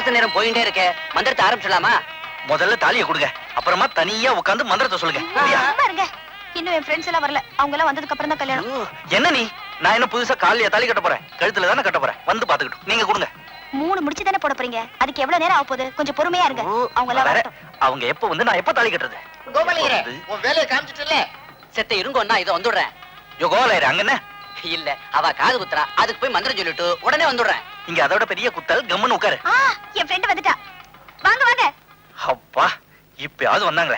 முகூர்த்த நேரம் போயிட்டே இருக்க, மந்திரத்தை ஆரம்பிச்சலாமா? முதல்ல தாலியை கொடுங்க, அப்புறமா தனியா உட்கார்ந்து மந்திரத்தை சொல்லுங்க. பாருங்க, இன்னும் என் ஃப்ரெண்ட்ஸ் எல்லாம் வரல. அவங்க எல்லாம் வந்ததுக்கு அப்புறம் தான் கல்யாணம். என்ன நீ? நான் என்ன புதுசா காலையா தாலி கட்ட போறேன்? கழுத்துல தானே கட்ட போறேன். வந்து பாத்துக்கிட்டு நீங்க கொடுங்க. 3 முடிச்சு தானே போட போறீங்க, அதுக்கு எவ்வளவு நேரம் ஆக போகுது? கொஞ்சம் பொறுமையா இருங்க. அவங்க எல்லாம் வரட்டும். அவங்க எப்ப வந்து நான் எப்ப தாலி கட்டுறது? கோபாலயரே, உன் வேலையை காமிச்சிட்டல. செத்த இருங்கோன்னா இதை வந்துடுறேன். யோ கோபாலயரே, அங்க என்ன? இல்ல, அவ காது குத்துறா, அதுக்கு போய் மந்திரம் சொல்லிட்டு உடனே வந்துடுறேன். இங்க அதோட பெரிய குத்தல், கம்முன்னு உட்காரு. என் ஃப்ரெண்ட் வந்துட்டா. வாங்க வாங்க. அப்பா, இப்பயாவது வந்தாங்களே.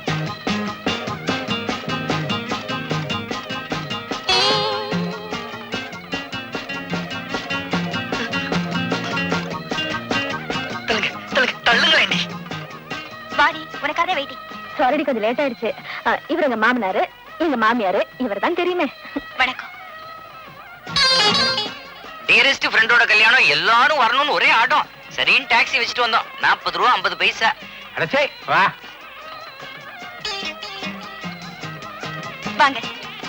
வாடி, உனக்காக வெயிட்டிங். சாரிடி, கொஞ்சம் லேட் ஆயிடுச்சு. இவர் எங்க மாமனாரு, எங்க மாமியாரு, இவர் தான் தெரியுமே. வணக்கம். டியரஸ்ட் ஃப்ரெண்டோட கல்யாணம், எல்லாரும் வரணும்னு ஒரே ஆட்டம். சரின்னு டாக்ஸி வச்சுட்டு வந்தோம். 40 ரூபா 50 பைசா. அடச்சே வா. வாங்க.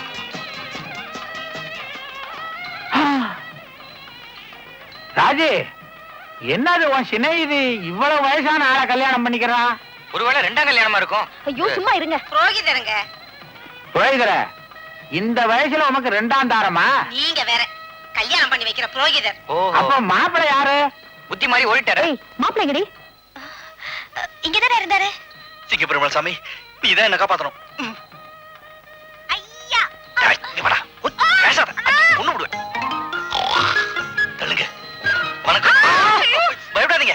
ராஜி, என்னது உன் சிநேகிதி இவ்வளவு வயசான ஆளை கல்யாணம் பண்ணிக்கிறான்? ஒருவேளை 2ஆம் கல்யாணமா இருக்கும். ஐயோ சும்மா இருங்க. புரோகிதருங்க. புரோகிதர, இந்த வயசுல உனக்கு 2ஆம் தாரமா? நீங்க வேற கல்யாணம் பண்ணி வைக்கிற புரோகிதர். அப்ப மாப்பிள்ளை யாரு? புத்தி மாதிரி ஓடிட்டாரு. மாப்பிள்ளை எங்கடி? இங்கதானே இருந்தாரு. சிங்க பெருமாள் சாமி, நீ தான் என்ன காப்பாத்தணும். ஐயா, இங்க வாடா. பேசாத, ஒண்ணு விடுவேன். தள்ளுங்க. வணக்கம். பயப்படாதீங்க,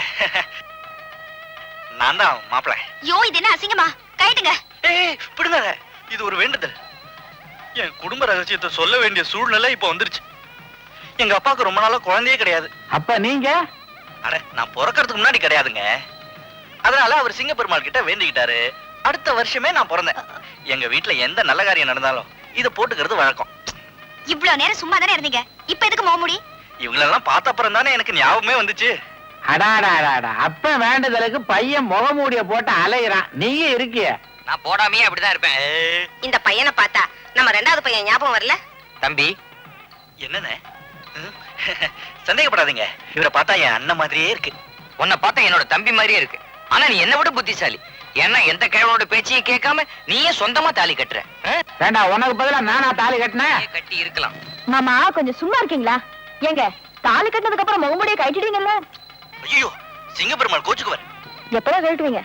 நான் தான் மாப்பிள்ளை. யோ, இது என்ன அசிங்கமா? கைட்டுங்க. ஏய், விடுங்க. இது ஒரு வேண்டுதல். என் குடும்ப ரகசியத்தை சொல்ல வேண்டிய சூழ்நிலை இப்ப வந்துருச்சு. எங்க அப்பாவுக்கு ரொம்ப நாளா குழந்தையே கிடையாது. அப்ப நீங்க? அட, நான் பிறக்கிறதுக்கு முன்னாடி கிடையாதுங்க. அதனால அவர் சிங்க பெருமாள் கிட்ட வேண்டிக்கிட்டாரு. அடுத்த வருஷமே நான் பிறந்தேன். எங்க வீட்டுல எந்த நல்ல காரியம் நடந்தாலும் இத போட்டுக்கிறது வழக்கம். இவ்வளவு நேரம் சும்மா தானே இருந்தீங்க, இப்ப எதுக்கு முகமூடி? இவங்களெல்லாம் பார்த்த அப்புறம் தானே எனக்கு ஞாபகமே வந்துச்சு. அடாடாடாடா, அப்ப வேண்டுதலுக்கு பையன் முகமூடிய போட்டு அலையிறான், நீங்க இருக்கிய. நான் போடாமையே அப்படிதான் இருப்பேன். இந்த பையனை பார்த்தா நம்ம 2வது பையன் ஞாபகம் வரல? தம்பி, என்னன்னு சந்தேகப்படாதீங்க, இவரை பார்த்தா என் அண்ணன் மாதிரியே இருக்கு. உன்னை பார்த்தா என்னோட தம்பி மாதிரியே இருக்கு. ஆனா நீ என்ன விட புத்திசாலி. ஏன்னா எந்த கிழவனோட பேச்சையும் கேட்காம நீயே சொந்தமா தாலி கட்டுற. வேண்டா, உனக்கு பதிலா நானா தாலி கட்டினேன்? கட்டி இருக்கலாம். மாமா, கொஞ்சம் சும்மா இருக்கீங்களா? ஏங்க, தாலி கட்டினதுக்கு அப்புறம் முகமூடியை கட்டிடுவீங்கல்ல? ஐயோ, சிங்க பெருமாள் கோச்சுக்குவார். எப்பதான் கட்டுவீங்க?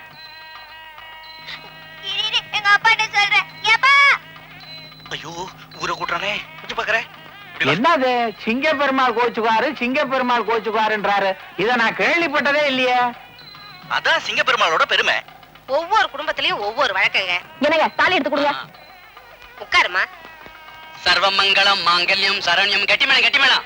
எங்க அப்பா என்ன சொல்றேன்? ஐயோ, ஊரை கூட்டுறானே. கொஞ்சம் பாக்குறேன். என்னது சிங்க பெருமாள் கோச்சுக்குவாரு, சிங்க பெருமாள் கோச்சுக்குவாருன்றாரு? இத நான் கேள்விப்பட்டதே இல்லையே. அதான் சிங்க பெருமாளோட பெருமை. ஒவ்வொரு குடும்பத்திலயும் ஒவ்வொரு வழக்கங்க. என்னங்க, தாலி எடுத்து கொடுங்க. உட்காருமா. சர்வமங்கலம் மாங்கல்யம் சரண்யம். கட்டிமேளம் கட்டிமேளம்.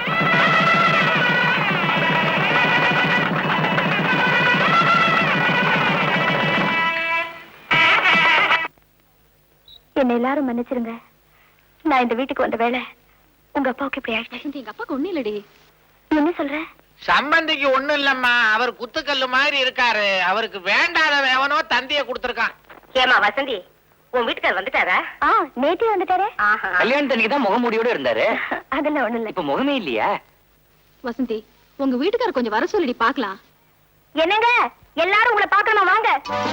என்ன எல்லாரும் மன்னிச்சிருங்க. நான் இந்த வீட்டுக்கு வந்த வேலை உங்க அப்பாவுக்கு இப்படி ஆயிடுச்சு. எங்க அப்பாவுக்கு ஒண்ணு இல்லடி. என்ன சொல்ற? சம்பந்திக்கு ஒண்ணு இல்லம்மா, அவர் குத்துக்கல்லு மாதிரி இருக்காரு. அவருக்கு வேண்டாத வேவனோ தந்திய கொடுத்திருக்கான். ஏமா வசந்தி, உன் வீட்டுக்கார் வந்துட்டாரா? நேற்று வந்துட்டாரே. கல்யாணத்தன்னைக்கு தான் முகமூடியோட இருந்தாரு. அதெல்லாம் ஒண்ணு இல்ல. இப்ப முகமே இல்லையா? வசந்தி, உங்க வீட்டுக்காரர் கொஞ்சம் வர சொல்லிடி பாக்கலாம். என்னங்க, எல்லாரும் உங்களை பார்க்கணும், வாங்க.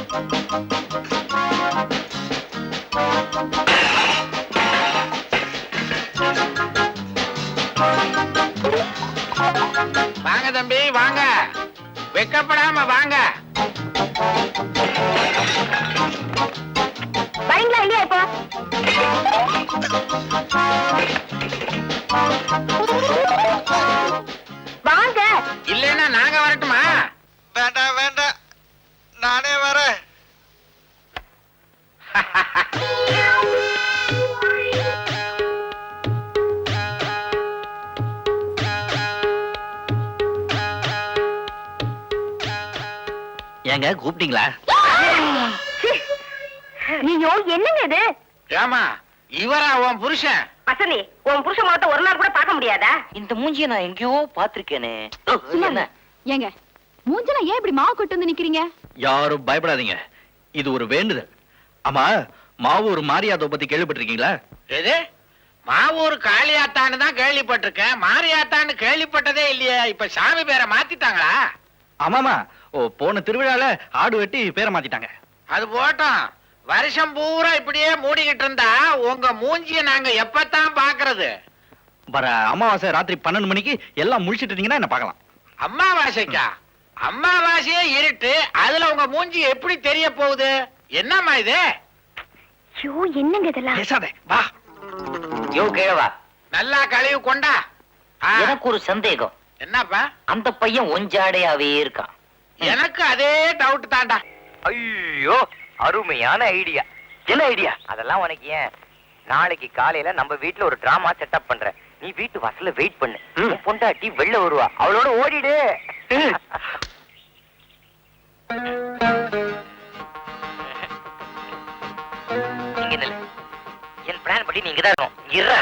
வாங்க தம்பி, வாங்க, வெக்கப்படாம வாங்க. வரீங்களா இல்லையா? இப்போ வாங்க. இல்லைன்னா நாங்க வரட்டுமா? வேண்டாம் வேண்டாம், நானே வரேன். ஏங்க கூப்பிட்டீங்களா? ஐயோ, என்னங்க இது? ஏமா, இவரா உன் புருஷன்? வசந்தி, உன் புருஷன் முகத்தை ஒரு நாள் கூட பார்க்க முடியாதா? இந்த மூஞ்சிய நான் எங்கேயோ பாத்திருக்கேனே. என்ன ஏங்க, மூஞ்சல ஏன் இப்படி மாவு கொட்டு வந்து நிக்கிறீங்க? யாரும் பயப்படாதீங்க, இது ஒரு வேண்டுதல். ஆமா, மாவூர் மாரியாத்தோ பத்தி கேள்விப்பட்டிருக்கீங்களா? எது? மாவூர் காளியாத்தான்னு தான் கேள்விப்பட்டிருக்கேன், மாரியாத்தான்னு கேள்விப்பட்டதே இல்லையே. இப்ப சாமி பேரை மாத்திட்டாங்களா? ஆமாமா. போன திருவிழால ஆடு வெட்டி பேரை மாத்திட்டாங்க. அது போட்டோம். வருஷம் பூரா இப்படியே மூடிக்கிட்டு இருந்தா உங்க மூஞ்சிய நாங்க எப்பத்தான் பாக்குறது? வர அமாவாசை ராத்திரி 12 மணிக்கு எல்லாம் முழிச்சிட்டு இருந்தீங்கன்னா என்ன பார்க்கலாம். அம்மாவாசைக்கா? அம்மாவாசையே இருட்டு, அதுல உங்க மூஞ்சி எப்படி தெரிய போகுது? என்னம்மா இது? ஐயோ, என்னங்க இதெல்லாம்? பேசாதே, வா. யோ கேவா, நல்லா கழுவி கொண்டா. எனக்கு ஒரு சந்தேகம். என்னப்பா? அந்த பையன் ஒஞ்சாடையாவே இருக்கான். எனக்கு அதே டவுட் தான்டா. ஐயோ, அருமையான ஐடியா. என்ன ஐடியா? அதெல்லாம் உனக்கு ஏன்? நாளைக்கு காலையில நம்ம வீட்டுல ஒரு டிராமா செட்டப் பண்றேன். நீ வீட்டு வாசல்ல வெயிட் பண்ணு. உன் பொண்டாட்டி வெளில வருவா, அவளோட ஓடிடு. இங்க நில்லு. என் பிளான் படி நீங்க தான் இருக்கணும். இருடா.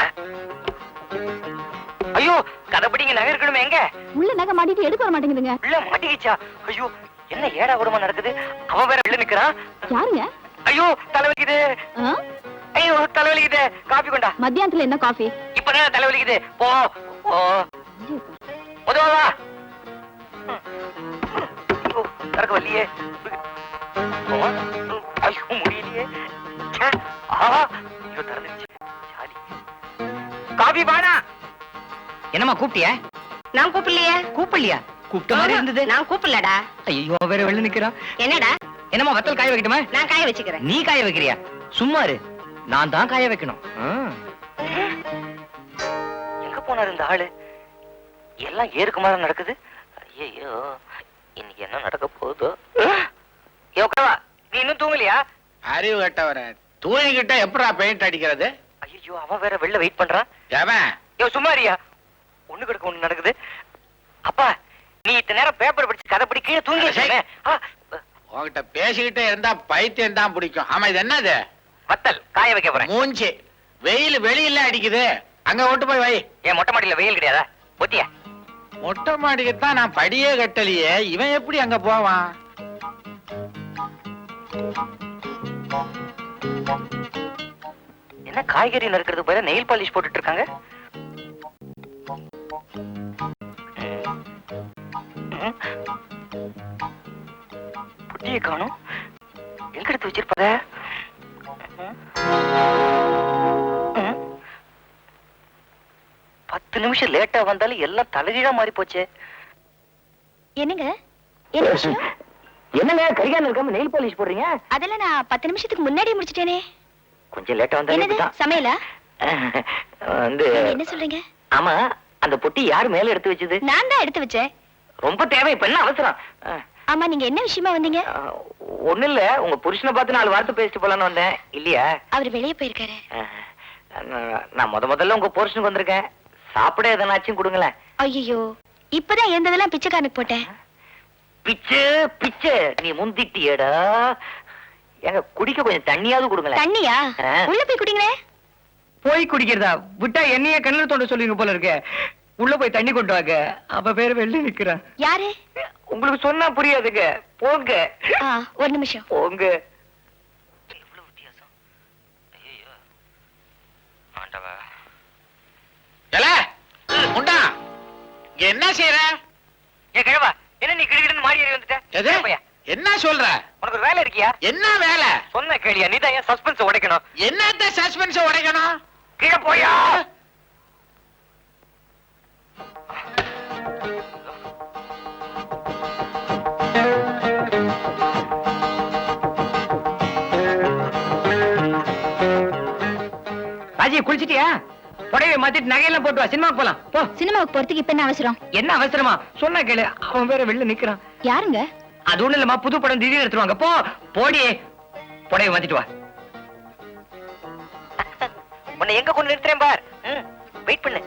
ஐயோ, கதைப்படி நகை இருக்கணுமே. எங்க உள்ள நகை மாட்டிட்டு எடுக்க வர மாட்டேங்குதுங்க. உள்ள மாட்டிக்கிச்சா? ஐயோ, என்ன ஏடா கூடமா நடக்குது? அவன் வேற உள்ள நிக்கிறான். யாருங்க? ஐயோ, தலைவலிக்குது. ஆ? ஐயோ, தலைவலிக்குது. காபி கொண்டா. மத்தியானத்துல என்ன காஃபி? இப்பதான் தலைவலிக்குது. போ போ. உதவா. ஐயோ, நடக்க வரலையே. ஐயோ, முடியலையே. ச்சே. ஆஹா, ஐயோ, திறந்துருச்சு. சாலி. காபி பானா. என்னம்மா கூப்பிட்டியா? நான் கூப்பிடலையே. கூப்பிடலையா? கூப்பிட்ட மாதிரி இருந்தது. நான் கூப்பிடலடா. ஐயோ, வேற வெளில நிக்கிறான். என்னடா? என்னம்மா வத்தல் காய வைக்கட்டுமா? நான் காய வச்சுக்கிறேன். நீ காய வைக்கிறியா? சும்மா இரு, நான் தான் காய வைக்கணும். எங்க போனாரு இந்த ஆளு? எல்லாம் ஏறுக்கு மாதிரி நடக்குது. ஐயோ, இன்னைக்கு என்ன நடக்க போகுதோ? யோகவா, நீ இன்னும் தூங்கலையா? அறிவு கட்டவர, தூங்கிக்கிட்ட எப்படா பெயிண்ட் அடிக்கிறது? ஐயோ, அவன் வேற வெளில வெயிட் பண்றான். எவன்? யோ, சும்மா இருயா. ஒண்ணு கிடக்க ஒண்ணு நடக்குது. அப்பா, நீ இத்தனை நேரம் பேப்பர் படிச்சு கதை படி கீழே தூங்கி உன்கிட்ட பேசிக்கிட்டே இருந்தா பைத்தியம் தான் பிடிக்கும். ஆமா, இது என்னது? வத்தல் காய வைக்க போறேன். மூஞ்சி வெயில் வெளியில அடிக்குது, அங்க ஓட்டு போய் வை. ஏன் மொட்டை மாடியில வெயில் கிடையாதா? ஒத்தியா? மொட்டை மாடிக்குத்தான் நான் படியே கட்டலையே, இவன் எப்படி அங்க போவான்? என்ன காய்கறி நறுக்கிறது போல நெயில் பாலிஷ் போட்டுட்டு இருக்காங்க? புட்டியை காணும். எங்க எடுத்து வச்சிருப்பத? 10 நிமிஷம் லேட்டா வந்தாலும் எல்லாம் தலைகீழா மாறி போச்சு. என்னங்க? என்ன விஷயம்? என்னங்க கரிகாலம் இருக்காம நெயில் பாலிஷ் போடுறீங்க? அதெல்லாம் நான் 10 நிமிஷத்துக்கு முன்னாடியே முடிச்சிட்டேனே. கொஞ்சம் லேட்டா என்னது வந்தா சமையலா? வந்து நீங்க என்ன சொல்றீங்க? ஆமா, அந்த பொட்டி யாரு மேல எடுத்து வச்சது? நான் தான் எடுத்து வச்சேன். ரொம்ப தேவை, இப்ப என்ன அவசரம்? ஆமா, நீங்க என்ன விஷயமா வந்தீங்க? ஒண்ணு இல்ல, உங்க புருஷனை பார்த்து 4 வார்த்தை பேசிட்டு போலான்னு வந்தேன். இல்லையா? அவர் வெளியே போயிருக்காரு. நான் முதல்ல உங்க புருஷனுக்கு வந்திருக்கேன். சாப்பிட எதனாச்சும் கொடுங்களேன். ஐயோ, இப்பதான் இருந்ததெல்லாம் பிச்சைக்காரனுக்கு போட்டேன். பிச்சு பிச்சு நீ முந்திட்டியடா. எங்க குடிக்க கொஞ்சம் தண்ணியாவது கொடுங்களேன். தண்ணியா? உள்ள போய் குடிங்களே. போய் குடிக்கிறதா? விட்டா என்னைய கண்ணில் தோண்ட சொல்லுங்க போல இருக்க. உள்ள போய் தண்ணி கொண்டு வாங்க. அவ பேரு வெளில நிக்கிறான். யாரு? உங்களுக்கு சொன்னா புரியாதுங்க. போங்க. ஒரு நிமிஷம். போங்க. எவ்வளவு வித்தியாசம். ஐயோ, ஆண்டவா. ஏல முண்டா, இங்க என்ன செய்யற? ஏ கிழவா, என்ன நீ கிடுகிடுன்னு மாறி ஏறி வந்துட்ட? எது? என்ன சொல்ற? உனக்கு ஒரு வேலை இருக்கியா? என்ன வேலை? சொன்ன கேளியா? நீ தான் ஏன் சஸ்பென்ஸ் உடைக்கணும்? என்னத்த சஸ்பென்ஸ் உடைக்கணும்? கீழே போயா. ராஜி, குளிச்சிட்டியா? புடவை மாத்திட்டு நகையெல்லாம் போட்டு வா, சினிமாக்கு போலாம். போ. சினிமாவுக்கு போறதுக்கு இப்ப என்ன அவசரம்? என்ன அவசரமா? சொன்னா கேளு. அவன் வேற வெளில நிக்கிறான். யாருங்க? அது ஒண்ணு இல்லம்மா, புது படம் திடீர்னு எடுத்துருவாங்க. போ போடி, புடவை மாத்திட்டு வா. உன்னை எங்க கொண்டு நிறுத்துறேன் பார். வெயிட் பண்ணு.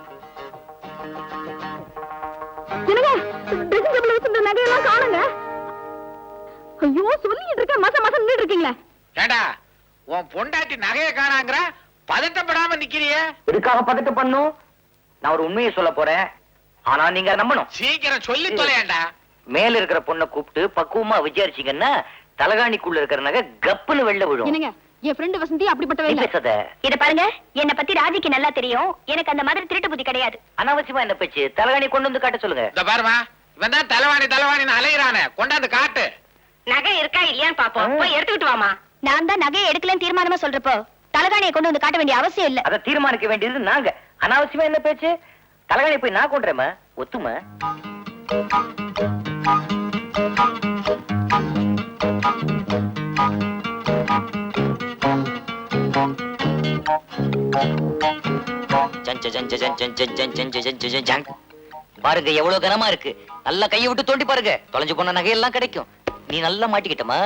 என்னங்க? ட்ரெஸ்ஸிங் டேபிள்ல வச்சிருந்த நகையெல்லாம் காணுங்க. ஐயோ, சொல்லிட்டு இருக்க மாசம் மாசம் நின்னுட்டு இருக்கீங்களே. ஏண்டா, உன் பொண்டாட்டி நகைய காணாங்கற, பதட்டப்படாம நிக்கிறியே? எதுக்காக பதட்ட பண்ணும்? நான் ஒரு உண்மையை சொல்ல போறேன், ஆனா நீங்க நம்பணும். சீக்கிரம் சொல்லி தொலையேண்டா. மேல இருக்கிற பொண்ணை கூப்பிட்டு பக்குவமா விசாரிச்சீங்கன்னா தலகாணிக்குள்ள இருக்கிற நகை கப்புன்னு வெளில விழும். என்னங்க, என் ஃப்ரெண்ட் வசந்தி அப்படிப்பட்டவே இல்ல. பேசாத. இத பாருங்க, என்ன பத்தி ராஜிக்கு நல்லா தெரியும். எனக்கு அந்த மாதிரி திருட்டு புத்தி கிடையாது. அனாவசியமா என்ன பேச்சு? தலகாணி கொண்டு வந்து காட்ட சொல்லுங்க. இந்த பாருமா, இவன் தான் தலைவாணின்னு அலையிறானே, கொண்டாந்து காட்டு. நகை இருக்கா இல்லையான்னு பாப்போம். போய் எடுத்துக்கிட்டு வாமா. நான் தான் நகையை எடுக்கலன்னு தீர்மானமா சொல்றப்போ தலகாணியை கொண்டு வந்து காட்ட வேண்டிய அவசியம் இல்ல. அதை தீர்மானிக்க வேண்டியது நாங்க. அனாவசியமா என்ன பேச்சு? தலைகாணி போய் நான் கொண்டுறேம்மா, ஒத்துமா? பாருங்க எவ்வளவு கனமா இருக்கு. நல்லா கையை விட்டு தோண்டி பாருங்க, தொலைஞ்சு போன நகையெல்லாம் கிடைக்கும். நீ நல்லா மாட்டிக்கிட்டமா.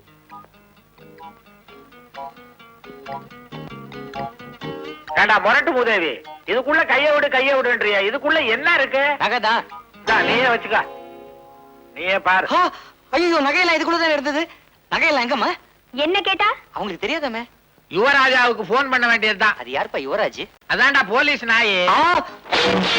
ஏண்டா முரட்டு மூதேவி, இதுக்குள்ள கைய விடுன்றியா? இதுக்குள்ள என்ன இருக்கு? நகைதான். நீயே வச்சுக்க, நீயே பாரு. ஐயோ, நகையெல்லாம் இதுக்குள்ளதான் இருந்தது. நகையெல்லாம் எங்கம்மா? என்ன கேட்டா? அவங்களுக்கு தெரியாதாமே. யுவராஜாவுக்கு போன் பண்ண வேண்டியதுதான். அது யாருப்பா யுவராஜ்? அதான்டா போலீஸ் நாயே.